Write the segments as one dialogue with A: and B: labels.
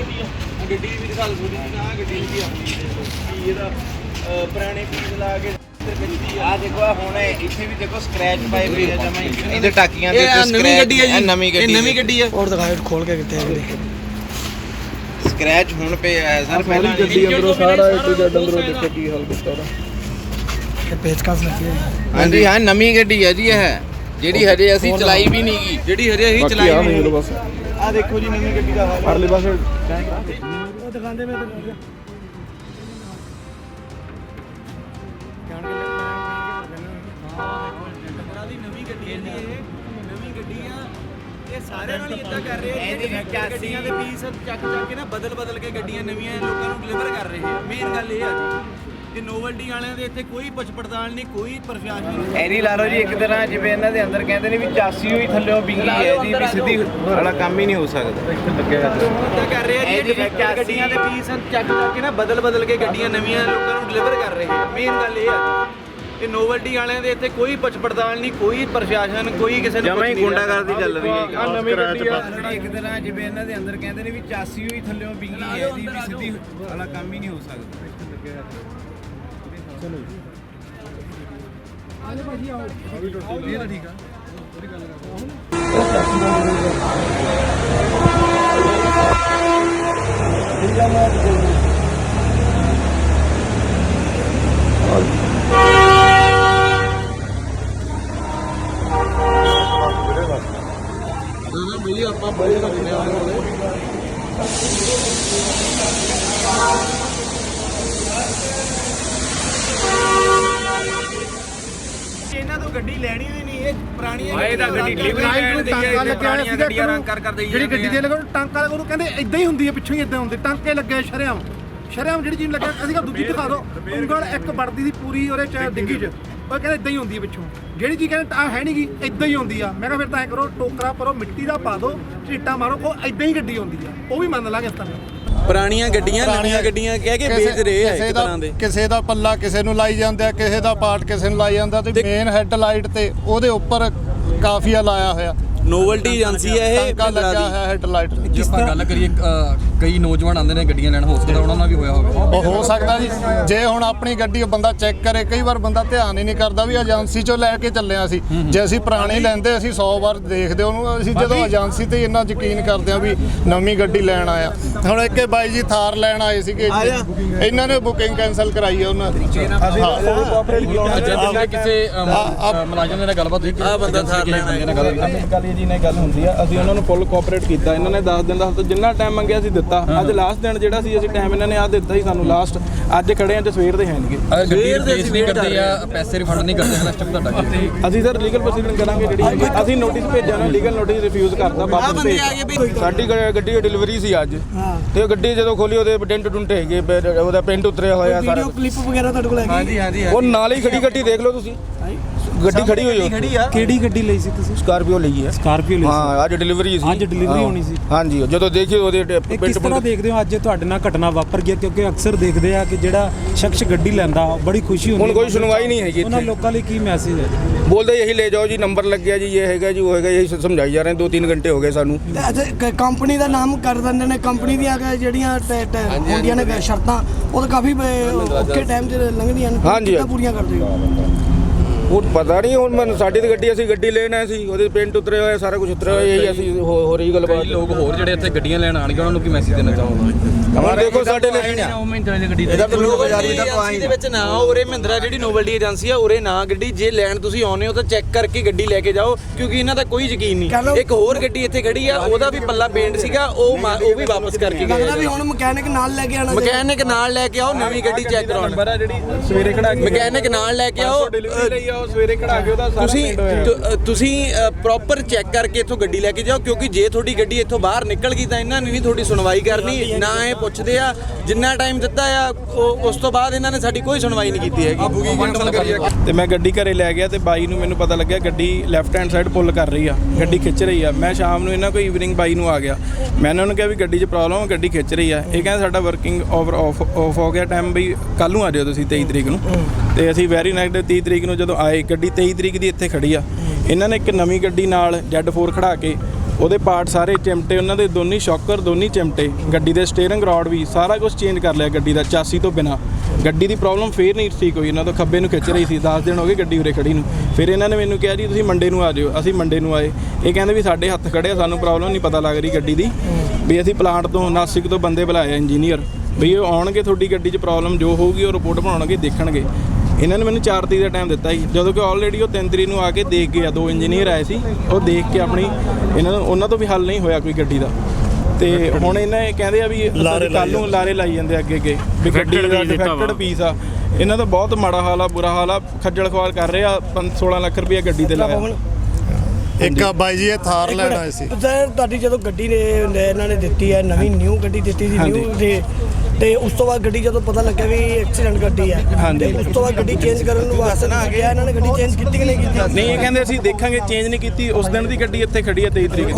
A: ਗੱਡੀ ਵੀ ਦਿਖਾ ਲਓ ਥੋੜੀ ਜਿਹੀ। ਆਹ ਗੱਡੀ ਵੀ ਆਪਣੀ ਕੀ ਇਹਦਾ ਪੁਰਾਣੇ ਪੀਸ ਲਾ ਕੇ ਆ ਦੇਖੋ। ਹੁਣ ਇੱਥੇ ਵੀ ਦੇਖੋ ਸਕ੍ਰੈਚ ਪਾਏ ਹੋਏ ਆ ਜਮਾਂ ਹੀ ਇਹਦੇ ਟਾਕੀਆਂ ਦੇ ਉੱਤੇ। ਨਵੀਂ ਗੱਡੀ ਹੈ ਜੀ, ਨਵੀਂ ਗੱਡੀ ਹੈ।
B: और दिखाओ खोल के कितने
A: ਸਕ੍ਰੈਚ ਹੁਣ ਪਏ ਆ ਸਰ। ਪਹਿਲਾਂ
C: ਗੱਡੀ ਅੰਦਰੋਂ ਸਾਰਾ A to Z ਅੰਦਰੋਂ ਦੇਖੋ ਕੀ ਹਾਲ ਕੀਤਾ ਉਹਦਾ।
B: ये पेचकस लगी है।
A: ਹਾਂਜੀ ਹਾਂ, ਨਵੀਂ ਗੱਡੀ ਹੈ ਜੀ ਇਹ, ਜਿਹੜੀ ਹਜੇ ਅਸੀਂ ਚਲਾਈ ਵੀ ਨਹੀਂ ਗੀ। ਜਿਹੜੀ ਹਜੇ ਅਸੀਂ ਚਲਾਈ ਵੀ ਨਹੀਂ।
C: ਬਸ
A: ਆ ਦੇਖੋ ਜੀ ਨਵੀਂ ਗੱਡੀ ਦਾ ਹਾਲ।
C: ਪਰਲੇ ਪਾਸੇ
B: वो दिखाते में तो
D: ਸਾਰਿਆਂ ਨਾਲ ਇਦਾਂ ਕਰ ਰਹੇ ਆ। ਗੱਡੀਆਂ ਦੇ ਪੀਸ ਚੱਕ ਕੇ ਨਾ ਬਦਲ ਕੇ ਗੱਡੀਆਂ ਨਵੀਆਂ ਲੋਕਾਂ ਨੂੰ ਡਿਲੀਵਰ ਕਰ ਰਹੇ ਆ। ਮੇਨ ਗੱਲ ਇਹ ਆ ਜੀ ਕਿ ਨੋਵਲਟੀ ਵਾਲਿਆਂ ਦੇ ਇੱਥੇ ਕੋਈ ਪੁੱਛ ਪੜਤਾਲ ਨਹੀਂ, ਕੋਈ ਪ੍ਰਸ਼ਾਸਨ ਨਹੀਂ।
A: ਐਰੀ ਲਾ ਲਓ ਜੀ ਇੱਕ ਤਰ੍ਹਾਂ ਜਿਵੇਂ ਇਹਨਾਂ ਦੇ ਅੰਦਰ ਕਹਿੰਦੇ ਨੇ ਵੀ ਚਾਸੀ ਹੋਈ ਥੱਲੇੋਂ ਬਿੰਗੀ ਹੈ ਜੀ, ਵੀ ਸਿੱਧੀ ਵਾਲਾ ਕੰਮ ਹੀ ਨਹੀਂ ਹੋ ਸਕਦਾ।
D: ਇਦਾਂ ਕਰ ਰਹੇ ਆ ਜੀ ਗੱਡੀਆਂ ਦੇ ਪੀਸ ਚੱਕ ਕੇ ਨਾ ਬਦਲ ਕੇ ਗੱਡੀਆਂ ਨਵੀਆਂ ਲੋਕਾਂ ਨੂੰ ਡਿਲੀਵਰ ਕਰ ਰਹੇ ਆ। ਮੇਨ ਗੱਲ ਇਹ ਆ ਕਿ ਨੋਵਲਟੀ ਵਾਲਿਆਂ ਦੇ ਇੱਥੇ ਕੋਈ ਪੁੱਛ ਪੜਤਾਲ ਨਹੀਂ, ਕੋਈ ਪ੍ਰਸ਼ਾਸਨ, ਕੋਈ ਕਿਸੇ ਨੂੰ
A: ਜਮਾਂ ਹੀ ਗੁੰਡਾਗਰਦੀ ਚੱਲ ਰਹੀ ਹੈ।
C: ਆ ਨਵੀਂ ਗੱਡੀ ਆ
A: ਇੱਕ ਤਰ੍ਹਾਂ ਜਿਵੇਂ ਇਹਨਾਂ ਦੇ ਅੰਦਰ ਕਹਿੰਦੇ ਨੇ ਵੀ ਚਾਸੀ ਹੋਈ ਥੱਲੇੋਂ ਬਿੰਗੀ ਹੈ ਜੀ, ਵੀ ਸਿੱਧੀ ਵਾਲਾ ਕੰਮ ਹੀ ਨਹੀਂ ਹੋ ਸਕਦਾ।
B: चलो जी आले भाजी आओ ये तो ठीक है पूरी गल
C: भैया आप बड़े
D: ਇਹਨਾਂ ਤੋਂ ਗੱਡੀ ਲੈਣੀ ਵੀ ਨਹੀਂ। ਇਹ ਪੁਰਾਣੀਆਂ
B: ਗੱਡੀ ਟਾਂਕਾ ਲੱਗਿਆ ਸੀਗਾ
D: ਰੰਗ ਕਰ ਦੇਈ
B: ਜਿਹੜੀ ਗੱਡੀ ਦੇ ਲਗਾ ਟਾਂਕਾ ਲਗਾ ਉਹਨੂੰ ਕਹਿੰਦੇ ਇਦਾਂ ਹੀ ਹੁੰਦੀ ਹੈ, ਪਿੱਛੋਂ ਹੀ ਇਦਾਂ ਹੁੰਦੇ ਟਾਂਕੇ ਲੱਗੇ ਸ਼ਰਿਆਮ ਜਿਹੜੀ ਚੀਜ਼ ਲੱਗਿਆ। ਅਸੀਂ ਕਿਹਾ ਦੂਜੀ ਦਿਖਾ ਦਿਓ। ਉਂਗਲ ਇੱਕ ਵੜਦੀ ਦੀ ਪੂਰੀ ਉਹਦੇ ਚ ਡਿੱਗੀ ਚ, ਉਹ ਕਹਿੰਦੇ ਇਦਾਂ ਹੀ ਹੁੰਦੀ ਹੈ ਪਿੱਛੋਂ। ਜਿਹੜੀ ਚੀਜ਼ ਕਹਿੰਦੇ ਆ ਹੈ ਨਹੀਂ ਗੀ, ਇਦਾਂ ਹੀ ਹੁੰਦੀ ਆ। ਮੈਂ ਕਿਹਾ ਫਿਰ ਤਾਂ ਐ ਕਰੋ ਟੋਕਰਾ ਭਰੋ ਮਿੱਟੀ ਦਾ ਪਾ ਦਿਓ, ਝੀਟਾ ਮਾਰੋ, ਉਹ ਇਦਾਂ ਹੀ ਗੱਡੀ ਹੁੰਦੀ ਆ। ਉਹ ਵੀ ਮੰਨ ਲਾਂਗੇ ਇਸ ਤਰ੍ਹਾਂ।
D: ਪੁਰਾਣੀਆਂ ਗੱਡੀਆਂ ਨਵੀਆਂ ਗੱਡੀਆਂ ਕਹਿ ਕੇ ਵੇਚ ਰਹੇ ਆ ਇੱਕ ਤਰ੍ਹਾਂ ਦੇ।
C: ਕਿਸੇ ਦਾ ਪੱਲਾ ਕਿਸੇ ਨੂੰ ਲਾਈ ਜਾਂਦੇ ਆ, ਕਿਸੇ ਦਾ ਪਾਰਟ ਕਿਸੇ ਨੂੰ ਲਾਈ ਜਾਂਦਾ। ਤੇ ਮੇਨ ਹੈੱਡ ਲਾਈਟ ਤੇ ਉਹਦੇ ਉੱਪਰ ਕਾਫੀਆ ਲਾਇਆ ਹੋਇਆ
D: ਨੋਵਲਟੀ ਏਜੰਸੀ ਹੈ ਇਹ
C: ਟਾਂਕਾ ਲੱਗਾ ਹੋਇਆ ਹੈੱਡ ਲਾਈਟ।
E: ਜੇ ਆਪਾਂ ਗੱਲ ਕਰੀਏ ਕਈ ਨੌਜਵਾਨ ਆਉਂਦੇ ਨੇ ਗੱਡੀਆਂ ਲੈਣ, ਹੋ ਸਕਦਾ ਉਹਨਾਂ ਨਾਲ ਵੀ ਹੋਇਆ ਹੋਵੇ।
C: ਉਹ ਹੋ ਸਕਦਾ ਜੀ। ਜੇ ਹੁਣ ਆਪਣੀ ਗੱਡੀ ਬੰਦਾ ਚੈੱਕ ਕਰੇ, ਕਈ ਵਾਰ ਬੰਦਾ ਧਿਆਨ ਹੀ ਨਹੀਂ ਕਰਦਾ ਵੀ ਏਜੰਸੀ ਚੋਂ ਲੈ ਕੇ ਚੱਲਿਆ ਸੀ। ਜੇ ਅਸੀਂ ਪੁਰਾਣੀ ਲੈਂਦੇ ਅਸੀਂ 100 ਵਾਰ ਦੇਖਦੇ ਉਹਨੂੰ। ਅਸੀਂ ਜਦੋਂ ਏਜੰਸੀ ਤੇ ਇੰਨਾ ਯਕੀਨ ਕਰਦੇ ਆ ਵੀ ਨਵੀਂ ਗੱਡੀ ਲੈਣ ਆਇਆ। ਹੁਣ ਇੱਕ ਬਾਈ ਜੀ ਥਾਰ ਲੈਣ ਆਏ ਸੀਗੇ, ਇਹਨਾਂ ਨੇ ਬੁਕਿੰਗ ਕੈਂਸਲ ਕਰਾਈ ਹੈ ਉਹਨਾਂ ਦੀ।
E: ਕਿਸੇ ਮੁਲਾਜ਼ਮ ਦੇ ਨਾਲ ਗੱਲਬਾਤ ਹੋਈ
D: ਆ ਬੰਦਾ ਥਾਰ ਲੈਣ
F: ਗੱਲ ਜੀ ਨਾਲ ਗੱਲ ਹੁੰਦੀ ਆ। ਅਸੀਂ ਉਹਨਾਂ ਨੂੰ ਫੁੱਲ ਕੋਆਪਰੇਟ ਕੀਤਾ। ਇਹਨਾਂ ਨੇ 10 ਦਿਨ ਦਾ ਜਿੰਨਾ ਟਾਈਮ ਮੰਗਿਆ ਸੀ ਦਿੱਤਾ। ਅੱਜ ਲਾਸਟ ਦਿਨ ਜਿਹੜਾ ਸੀ ਅਸੀਂ ਟਾਈਮ ਇਹਨਾਂ ਨੇ ਆ ਦਿੱਤਾ ਸੀ ਸਾਨੂੰ ਲਾਸਟ। ਅੱਜ ਖੜੇ ਆ ਤੇ ਸਵੇਰ ਦੇ ਹੈਣਗੇ।
E: ਸਵੇਰ ਦੇ ਅਸੀਂ ਵੇਟ ਕਰਦੇ ਆ, ਪੈਸੇ ਰਿਫੰਡ ਨਹੀਂ ਕਰਦੇ ਹਨ। ਸਟੈਪ ਤੁਹਾਡਾ
F: ਅਸੀਂ ਸਰ ਲੀਗਲ ਪ੍ਰੋਸੀਡਿੰਗ ਕਰਾਂਗੇ। ਜਿਹੜੀ ਅਸੀਂ ਨੋਟਿਸ ਭੇਜਿਆ ਨਾ, ਲੀਗਲ ਨੋਟਿਸ ਰਿਫਿਊਜ਼ ਕਰਤਾ ਵਾਪਸ ਭੇਜ। ਸਾਡੀ ਗੱਡੀ ਦੀ ਡਿਲੀਵਰੀ ਸੀ ਅੱਜ, ਤੇ ਗੱਡੀ ਜਦੋਂ ਖੋਲੀ ਉਹਦੇ ਡੈਂਟ ਡੁੰਟ ਹੈਗੇ, ਉਹਦਾ ਪੈਂਟ ਉਤਰਿਆ ਹੋਇਆ ਸਾਰਾ।
B: ਕਲਿੱਪ ਵਗੈਰਾ ਤੁਹਾਡੇ ਕੋਲ ਹੈਗੀ?
D: ਹਾਂਜੀ
F: ਉਹ ਨਾਲ ਹੀ ਖੜੀ ਗੱਡੀ ਦੇਖ ਲਓ ਤੁਸੀਂ। ਗੱਡੀ ਖੜੀ ਹੋਈ ਹੈ।
B: ਕਿਹੜੀ ਗੱਡੀ ਲਈ ਸੀ ਤੁਸੀਂ?
F: ਸਕਾਰਪੀਓ ਲਈ ਹੈ।
B: ਸਕਾਰਪੀਓ ਲਈ
F: ਹਾਂ, ਅੱਜ ਡਿਲੀਵਰੀ ਸੀ।
B: ਅੱਜ ਡਿਲੀਵਰੀ ਹੋਣੀ ਸੀ।
F: ਹਾਂਜੀ, ਜਦੋਂ ਦੇਖੀ ਉਹਦੇ
B: ਕਿਸ ਤਰ੍ਹਾਂ ਦੇਖਦੇ ਹੋ ਅੱਜ ਤੁਹਾਡੇ ਨਾਲ ਘਟਨਾ ਵਾਪਰ ਗਿਆ? ਕਿਉਂਕਿ ਅਕਸਰ ਦੇਖਦੇ ਆ ਕਿ ਜਿਹੜਾ ਸ਼ਖਸ ਗੱਡੀ ਲੈਂਦਾ ਬੜੀ ਖੁਸ਼ੀ ਹੁੰਦੀ।
F: ਹੁਣ ਕੋਈ ਸੁਣਵਾਈ ਨਹੀਂ ਹੈਗੀ
B: ਉਹਨਾਂ ਲੋਕਾਂ ਲਈ ਕੀ ਮੈਸੇਜ ਹੈ?
F: ਬੋਲਦੇ ਇਹੀ ਲੈ ਜਾਓ ਜੀ, ਨੰਬਰ ਲੱਗਿਆ ਜੀ, ਇਹ ਹੈਗਾ ਜੀ, ਉਹ ਹੈਗਾ। ਇਹੀ ਸਮਝਾਈ ਜਾ ਰਹੇ 2-3 ਘੰਟੇ ਹੋ ਗਏ ਸਾਨੂੰ।
B: ਕੰਪਨੀ ਦਾ ਨਾਮ ਕਰ ਦਿੰਦੇ ਨੇ। ਕੰਪਨੀ ਦੀਆਂ ਜਿਹੜੀਆਂ ਹੁੰਦੀਆਂ ਨੇ ਸ਼ਰਤਾਂ, ਉਹ ਤਾਂ ਕਾਫੀ ਔਖੇ ਟਾਈਮ 'ਚ ਲੰਘਦੀਆਂ ਨੇ।
F: ਹਾਂਜੀ,
B: ਪੂਰੀਆਂ ਕਰਦੇ ਹੋ?
F: ਉਹ ਪਤਾ ਨਹੀਂ। ਹੁਣ ਮੈਨੂੰ ਸਾਡੀ ਤੇ ਗੱਡੀ, ਅਸੀਂ ਗੱਡੀ ਲੈਣ ਆਏ ਸੀ, ਉਹਦੇ ਪੈਂਟ ਉਤਰੇ ਹੋਏ, ਸਾਰਾ ਕੁਝ ਉਤਰਿਆ ਹੋਇਆ। ਇਹੀ ਅਸੀਂ ਹੋ ਰਹੀ ਗੱਲਬਾਤ।
E: ਲੋਕ ਹੋਰ ਜਿਹੜੇ ਇੱਥੇ ਗੱਡੀਆਂ ਲੈਣ ਆਣਗੇ ਉਹਨਾਂ ਨੂੰ ਕੀ ਮੈਸੇਜ ਦੇਣਾ ਚਾਹੋਗੇ?
F: ਹੁਣ ਦੇਖੋ ਸਾਡੇ ਲਈ
D: ਇਹਦਾ ਏਜੰਸੀ ਦੇ ਵਿੱਚ ਨਾ ਉਰੇ ਮਹਿੰਦਰਾ ਜਿਹੜੀ ਨੋਵਲਟੀ ਏਜੰਸੀ ਆ ਉਰੇ ਨਾ ਗੱਡੀ ਜੇ ਲੈਣ ਤੁਸੀਂ ਆਉਨੇ ਹੋ ਤਾਂ ਚੈੱਕ ਕਰਕੇ ਗੱਡੀ ਲੈ ਕੇ ਜਾਓ, ਕਿਉਂਕਿ ਇਹਨਾਂ ਦਾ ਕੋਈ ਯਕੀਨ ਨਹੀਂ। ਇੱਕ ਹੋਰ ਗੱਡੀ ਇੱਥੇ ਖੜੀ ਆ, ਉਹਦਾ ਵੀ ਪੱਲਾ ਪੇਂਟ ਸੀਗਾ, ਉਹ ਵੀ ਵਾਪਸ ਕਰਕੇ ਗਏ।
B: ਵੀ ਹੁਣ ਮਕੈਨਿਕ ਨਾਲ ਲੈ ਕੇ ਆਣਾ।
D: ਮਕੈਨਿਕ ਨਾਲ ਲੈ ਕੇ ਆਓ, ਨਵੀਂ ਗੱਡੀ ਚੈੱਕ ਕਰਾਉਣ।
F: ਨੰਬਰ ਆ ਜਿਹੜੀ ਸਵੇਰੇ ਖੜਾ ਕੇ
D: ਮਕੈਨਿਕ ਨਾਲ ਲੈ ਕੇ ਆਓ।
F: ਡਿਲੀਵਰੀ ਲਈ ਆਓ, ਸਵੇਰੇ ਖੜਾ ਕੇ ਉਹਦਾ ਸਾਰਾ
D: ਤੁਸੀਂ ਪ੍ਰੋਪਰ ਚੈੱਕ ਕਰਕੇ ਇੱਥੋਂ ਗੱਡੀ ਲੈ ਕੇ ਜਾਓ, ਕਿਉਂਕਿ ਜੇ ਤੁਹਾਡੀ ਗੱਡੀ ਇੱਥੋਂ ਬਾਹਰ ਨਿਕਲ ਗਈ ਤਾਂ ਇਹਨਾਂ ਨੇ ਨਹੀਂ ਤੁਹਾਡੀ ਸੁਣਵਾਈ ਕਰਨੀ। ਨਾ ਇਹ ਪੁੱਛਦੇ ਆ ਜਿੰਨਾ ਟਾਈਮ ਦਿੱਤਾ ਆ, ਉਸ ਤੋਂ ਬਾਅਦ ਇਹਨਾਂ ਨੇ ਸਾਡੀ ਕੋਈ ਸੁਣਵਾਈ ਨਹੀਂ ਕੀਤੀ ਹੈਗੀ।
F: ਤੇ ਮੈਂ ਗੱਡੀ ਘਰੇ ਲੈ ਗਿਆ ਤੇ ਬਾਈ ਨੂੰ ਮੈਨੂੰ ਪਤਾ ਲੱਗਿਆ ਗੱਡੀ ਲੈਫਟ ਹੈਂਡ ਸਾਈਡ ਪੁੱਲ ਕਰ ਰਹੀ ਆ, ਗੱਡੀ ਖਿੱਚ ਰਹੀ ਆ। ਮੈਂ ਸ਼ਾਮ ਨੂੰ ਇਹਨਾਂ ਕੋਈ ਈਵਨਿੰਗ ਬਾਈ ਨੂੰ ਆ ਗਿਆ, ਮੈਂ ਇਹਨਾਂ ਨੂੰ ਕਿਹਾ ਵੀ ਗੱਡੀ 'ਚ ਪ੍ਰੋਬਲਮ, ਗੱਡੀ ਖਿੱਚ ਰਹੀ ਆ। ਇਹ ਕਹਿੰਦੇ ਸਾਡਾ ਵਰਕਿੰਗ ਆਫ ਹੋ ਗਿਆ ਟਾਈਮ, ਬਈ ਕੱਲ੍ਹ ਨੂੰ ਆ ਜਾਓ ਤੁਸੀਂ 23 ਤਰੀਕ ਨੂੰ। ਤੇ ਅਸੀਂ ਵੈਰੀ ਨਾਈਟ 30 ਤਰੀਕ ਨੂੰ ਜਦੋਂ ਆਏ, ਗੱਡੀ 23 ਤਰੀਕ ਦੀ ਇੱਥੇ ਖੜੀ ਆ। ਇਹਨਾਂ ਨੇ ਇੱਕ ਨਵੀਂ ਗੱਡੀ ਨਾਲ Z4 ਖੜਾ ਕੇ ਉਹਦੇ ਪਾਰਟ ਸਾਰੇ ਚਿਮਟੇ, ਉਹਨਾਂ ਦੇ ਦੋਨੀ ਸ਼ੌਕਰ, ਦੋਨੀ ਚਿਮਟੇ, ਗੱਡੀ ਦੇ ਸਟੀਅਰਿੰਗ ਰੋਡ ਵੀ ਸਾਰਾ ਕੁਝ ਚੇਂਜ ਕਰ ਲਿਆ ਗੱਡੀ ਦਾ ਚਾਸੀ ਤੋਂ ਬਿਨਾ। ਗੱਡੀ ਦੀ ਪ੍ਰੋਬਲਮ ਫੇਰ ਨਹੀਂ ਠੀਕ ਹੋਈ, ਇਹਨਾਂ ਤੋਂ ਖੱਬੇ ਨੂੰ ਖਿੱਚ ਰਹੀ ਸੀ। 10 ਦਿਨ ਹੋ ਗਏ ਗੱਡੀ ਉਰੇ ਖੜੀ ਨੂੰ। ਫਿਰ ਇਹਨਾਂ ਨੇ ਮੈਨੂੰ ਕਿਹਾ ਜੀ ਤੁਸੀਂ ਮੰਡੇ ਨੂੰ ਆ ਜਾਓ। ਅਸੀਂ ਮੰਡੇ ਨੂੰ ਆਏ। ਇਹ ਕਹਿੰਦੇ ਵੀ ਸਾਡੇ ਹੱਥ ਖੜੇ ਆ, ਸਾਨੂੰ ਪ੍ਰੋਬਲਮ ਨਹੀਂ ਪਤਾ ਲੱਗ ਰਹੀ ਗੱਡੀ ਦੀ, ਵੀ ਅਸੀਂ ਪਲਾਂਟ ਤੋਂ ਨਾਸਿਕ ਤੋਂ ਬੰਦੇ ਬੁਲਾਏ ਇੰਜੀਨੀਅਰ, ਵੀ ਉਹ ਆਉਣਗੇ ਤੁਹਾਡੀ ਗੱਡੀ 'ਚ ਪ੍ਰੋਬਲਮ ਜੋ ਹੋਊਗੀ ਉਹ ਰਿਪੋਰਟ ਬਣਾਉਣਗੇ, ਦੇਖਣਗੇ। ਇਹਨਾਂ ਨੇ ਮੈਨੂੰ 4 ਤਰੀਕ ਦਾ ਟਾਈਮ ਦਿੱਤਾ ਸੀ, ਜਦੋਂ ਕਿ ਆਲਰੇਡੀ ਉਹ 3 ਤਰੀਕ ਨੂੰ ਆ ਕੇ ਦੇਖ ਗਏ ਆ। 2 ਇੰਜੀਨੀਅਰ ਆਏ ਸੀ, ਉਹ ਦੇਖ ਕੇ ਆਪਣੀ ਉਹਨਾਂ ਤੋਂ ਵੀ ਹੱਲ ਨਹੀਂ ਹੋਇਆ ਕੋਈ ਗੱਡੀ ਦਾ। ਤੇ ਹੁਣ ਇਹਨਾਂ ਇਹ ਕਹਿੰਦੇ ਆ ਵੀ ਕੱਲ੍ਹ ਨੂੰ ਲਾਰੇ ਲਾਈ ਜਾਂਦੇ ਅੱਗੇ ਵੀ ਗੱਡੀ ਦਾ ਡਿਫੈਕਟਡ ਪੀਸ ਆ। ਇਹਨਾਂ ਦਾ ਬਹੁਤ ਮਾੜਾ ਹਾਲ ਆ, ਬੁਰਾ ਹਾਲ ਆ, ਖੱਜਲ ਖੁਆਰ ਕਰ ਰਹੇ ਆ। 16 ਲੱਖ ਰੁਪਇਆ ਗੱਡੀ ਤੇ ਲਾਇਆ।
C: ਇੱਕ ਬਾਈ ਜੀ ਇਹ ਥਾਰ ਲੈਣ ਆਏ ਸੀ।
G: ਸਰ ਤੁਹਾਡੀ ਜਦੋਂ ਗੱਡੀ ਨੇ ਇਹਨਾਂ ਨੇ ਦਿੱਤੀ ਹੈ, ਨਵੀਂ ਨਿਊ ਗੱਡੀ ਦਿੱਤੀ ਸੀ ਨਿਊ ਤੇ ਉਸ ਤੋਂ ਬਾਅਦ ਗੱਡੀ ਜਦੋਂ ਪਤਾ ਲੱਗਿਆ ਵੀ ਐਕਸੀਡੈਂਟ ਗੱਡੀ ਹੈ, ਤੇ ਉਸ ਤੋਂ ਬਾਅਦ ਗੱਡੀ ਚੇਂਜ ਕਰਨ ਨੂੰ ਵਾਸਤੇ ਨਾ ਗਿਆ ਇਹਨਾਂ ਨੇ ਗੱਡੀ ਚੇਂਜ ਕੀਤੀ ਕਿ ਨਹੀਂ ਕੀਤੀ?
F: ਨਹੀਂ, ਇਹ ਕਹਿੰਦੇ ਅਸੀਂ ਦੇਖਾਂਗੇ, ਚੇਂਜ ਨਹੀਂ ਕੀਤੀ। ਉਸ ਦਿਨ ਦੀ ਗੱਡੀ ਇੱਥੇ ਖੜੀ ਹੈ 23 ਤਰੀਕ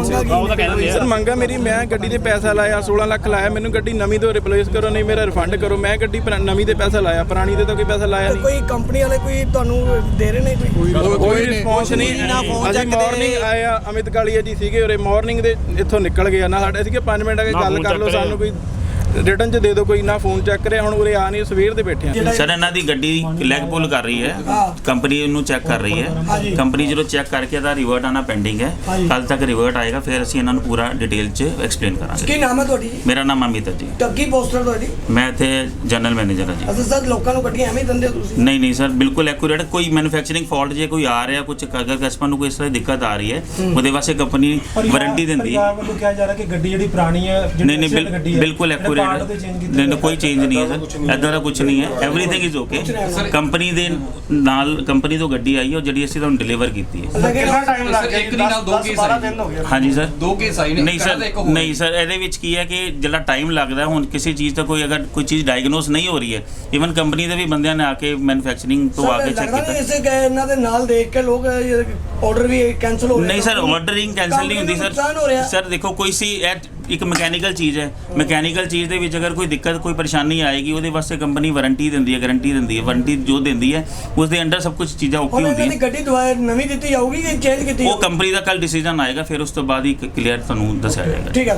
F: ਦੀ। ਸਰ ਮੰਗਾ ਮੇਰੀ, ਮੈਂ ਗੱਡੀ ਤੇ ਪੈਸਾ ਲਾਇਆ 16 ਲੱਖ ਲਾਇਆ, ਮੈਨੂੰ ਗੱਡੀ ਨਵੀਂ ਤੋਂ ਰਿਪਲੇਸ ਕਰੋ, ਨਹੀਂ ਮੇਰਾ ਰਿਫੰਡ ਕਰੋ। ਮੈਂ ਗੱਡੀ ਨਵੀਂ ਤੇ ਪੈਸਾ ਲਾਇਆ, ਪੁਰਾਣੀ ਤੇ ਤਾਂ ਕੋਈ ਪੈਸਾ ਲਾਇਆ ਨਹੀਂ।
G: ਕੋਈ ਕੰਪਨੀ ਵਾਲੇ ਕੋਈ ਤੁਹਾਨੂੰ ਦੇ ਰਹੇ ਨੇ
F: ਕੋਈ ਰਿਸਪੌਂਸ ਨਹੀਂ। ਅਸੀਂ ਮਾਰਨਿੰਗ ਆਏ ਆ, ਅਮਿਤ ਕਾਲੀਆ ਜੀ ਸੀਗੇ ਉਰੇ, ਮਾਰਨਿੰਗ ਦੇ ਇੱਥੋਂ ਨਿਕਲ ਗਏ ਨਾ। ਸਾਡੇ ਸੀਗੇ 5 ਮਿੰਟ ਆ ਕੇ ਗੱਲ ਕਰ ਲਓ, ਸਾਨੂੰ ਕੋਈ ਰਿਟਰਨ 'ਚ ਦੇ ਦਿਓ, ਕੋਈ ਨਾ ਫੋਨ ਚੈੱਕ ਕਰਿਆ। ਹੁਣ ਉਰੇ ਆ ਨਹੀਂ, ਸਵੇਰ ਦੇ ਬੈਠੇ ਆ।
H: ਸਰ ਇਹਨਾਂ ਦੀ ਗੱਡੀ ਲੈਗ ਪੁੱਲ ਕਰ ਰਹੀ ਹੈ, ਕੰਪਨੀ ਉਹਨੂੰ ਚੈੱਕ ਕਰ ਰਹੀ ਹੈ। ਕੰਪਨੀ ਜਦੋਂ ਚੈੱਕ ਕਰਕੇ ਇਹਦਾ ਰਿਵਰਟ ਆਣਾ ਪੈਂਡਿੰਗ ਹੈ, ਕੱਲ ਤੱਕ ਰਿਵਰਟ ਆਏਗਾ, ਫਿਰ ਅਸੀਂ ਇਹਨਾਂ ਨੂੰ ਪੂਰਾ ਡਿਟੇਲ 'ਚ ਐਕਸਪਲੇਨ ਕਰਾਂਗੇ।
G: ਕੀ ਨਾਮ ਹੈ ਤੁਹਾਡੀ?
H: ਮੇਰਾ ਨਾਮ ਅਮਿਤ ਹੈ ਜੀ।
G: ਕੀ ਪੋਸਟਰ ਤੁਹਾਡੀ?
H: ਮੈਂ ਇੱਥੇ ਜਨਰਲ ਮੈਨੇਜਰ ਹਾਂ ਜੀ।
G: ਅੱਛਾ ਸਰ, ਲੋਕਾਂ ਨੂੰ ਗੱਡੀਆਂ ਐਵੇਂ ਦਿੰਦੇ ਹੋ ਤੁਸੀਂ?
H: ਨਹੀਂ ਸਰ, ਬਿਲਕੁਲ ਐਕੂਰੇਟ। ਕੋਈ ਮੈਨੂਫੈਕਚਰਿੰਗ ਫਾਲਟ ਜੇ ਕੋਈ ਆ ਰਿਹਾ, ਕੁਝ ਅਗਰ ਕਸਟਮਰ ਨੂੰ ਕੋਈ ਇਸ ਤਰ੍ਹਾਂ ਦੀ ਦਿੱਕਤ ਆ ਰਹੀ ਹੈ, ਉਹਦੇ ਵਾਸਤੇ ਕੰਪਨੀ ਵਾਰੰਟੀ ਦਿੰਦੀ ਹੈ।
I: ਵੱਲੋਂ ਕਿਹਾ ਜਾ ਰਿਹਾ ਕਿ ਗੱਡੀ ਜਿਹੜੀ ਪੁਰਾਣੀ ਹੈ,
H: ਨਹੀਂ ਬਿਲਕੁਲ ਐਕੂਰੇਟ। ਨਹੀਂ ਕੋਈ ਚੇਂਜ ਨਹੀਂ ਹੈ ਸਰ, ਇੱਦਾਂ ਦਾ ਕੁਝ ਨਹੀਂ ਹੈ। Everything is okay. ਕੰਪਨੀ ਦੇ ਨਾਲ ਕੰਪਨੀ ਤੋਂ ਗੱਡੀ ਆਈ ਹੈ, ਜਿਹੜੀ ਅਸੀਂ ਤੁਹਾਨੂੰ ਡਿਲੀਵਰ ਕੀਤੀ ਹੈ।
E: ਕਿੰਨਾ ਟਾਈਮ ਲੱਗ ਗਿਆ? ਇੱਕ ਨਹੀਂ ਨਾਲ 2 ਕੇਸ ਆਏ।
H: ਹਾਂਜੀ ਸਰ,
E: 2 ਕੇਸ ਆਏ ਨੇ।
H: ਨਹੀਂ ਸਰ, ਇਹਦੇ ਵਿੱਚ ਕੀ ਹੈ ਕਿ ਜਿਹੜਾ ਟਾਈਮ ਲੱਗਦਾ, ਹੁਣ ਕਿਸੇ ਚੀਜ਼ ਦਾ ਕੋਈ ਅਗਰ ਕੋਈ ਚੀਜ਼ ਡਾਇਗਨੋਸ ਨਹੀਂ ਹੋ ਰਹੀ ਹੈ, ਇਵਨ ਕੰਪਨੀ ਦੇ ਵੀ ਬੰਦਿਆਂ ਨੇ ਆ ਕੇ ਮੈਨੂਫੈਕਚਰਿੰਗ ਤੋਂ ਆ ਕੇ ਚੈੱਕ ਕੀਤਾ।
G: ਇਸੇ ਇਹਨਾਂ ਦੇ ਨਾਲ ਦੇਖ ਕੇ ਲੋਕ ਆਰਡਰ ਵੀ ਕੈਨਸਲ ਹੋ ਰਹੇ।
H: ਨਹੀਂ ਸਰ, ਆਰਡਰਿੰਗ ਕੈਨਸਲ ਨਹੀਂ ਹੁੰਦੀ ਸਰ। ਸਰ ਦੇਖੋ, ਕੋਈ ਸੀ ਇੱਕ ਮਕੈਨੀਕਲ ਚੀਜ਼ ਹੈ, ਮਕੈਨੀਕਲ ਚੀਜ਼ ਦੇ ਵਿੱਚ ਅਗਰ ਕੋਈ ਦਿੱਕਤ ਕੋਈ ਪਰੇਸ਼ਾਨੀ ਆਏਗੀ, ਉਹਦੇ ਵਾਸਤੇ ਕੰਪਨੀ ਵਾਰੰਟੀ ਦਿੰਦੀ ਹੈ, ਗਾਰੰਟੀ ਦਿੰਦੀ ਹੈ। ਵਾਰੰਟੀ ਜੋ ਦਿੰਦੀ ਹੈ ਉਸ ਦੇ ਅੰਡਰ ਸਭ ਕੁਝ ਚੀਜ਼ਾਂ ਓਕੇ ਹੁੰਦੀਆਂ।
G: ਗੱਡੀ ਦੁਬਾਰਾ ਨਵੀਂ ਦਿੱਤੀ ਜਾਊਗੀ ਕਿ ਚੇਂਜ ਕੀਤੀ?
H: ਉਹ ਕੰਪਨੀ ਦਾ ਕੱਲ ਡਿਸੀਜਨ ਆਏਗਾ, ਫਿਰ ਉਸ ਤੋਂ ਬਾਅਦ ਹੀ ਕਲੀਅਰ ਤੁਹਾਨੂੰ ਦੱਸਿਆ ਜਾਏਗਾ।
G: ਠੀਕ ਹੈ।